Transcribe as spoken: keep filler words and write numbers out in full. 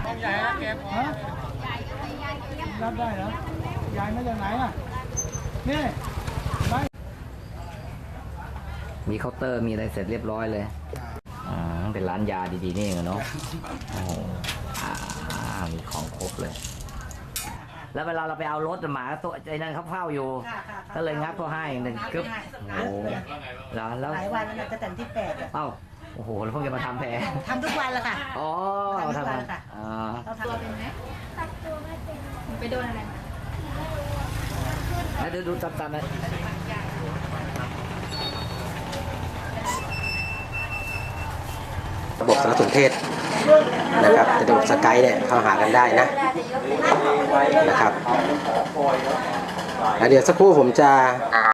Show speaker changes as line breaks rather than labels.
ใหญ่เก็บฮะรับได้เหรอใหญ่มาจากไหนอ่ะนี่
มีเคาน์เตอร์มีอะไรเสร็จเรียบร้อยเลยอ่าเป็นร้านยาดีๆนี่เองเนาะโอ้โหอ่ามีของครบเลย แล้วเวลาเราไปเอารถหมาตัวไอ้นั่นเขาเฝ้าอยู่ก็เลยงับเขาให้หนึ่งกึ๊บโอ้โหแล้วแล้ว
หลายวันแล้วจะแต่งที่แปด
เอ้าโอ้โหแล้วเพิ่งจะมาทำแผล
ทำทุกวันแล้วค่ะ
อ๋อ
ทำทุกวันค่ะ
อ๋อ
เราทำตัวเป็นไหมตัดตัวไม่เป็นไปโดนอะไรมา
แล้วดูดูจับจับนะ
ระบบสารสนเทศนะครับระบบสกายเนี่ยเข้าหากันได้นะนะครับแล้วเดี๋ยวสักครู่ผมจะ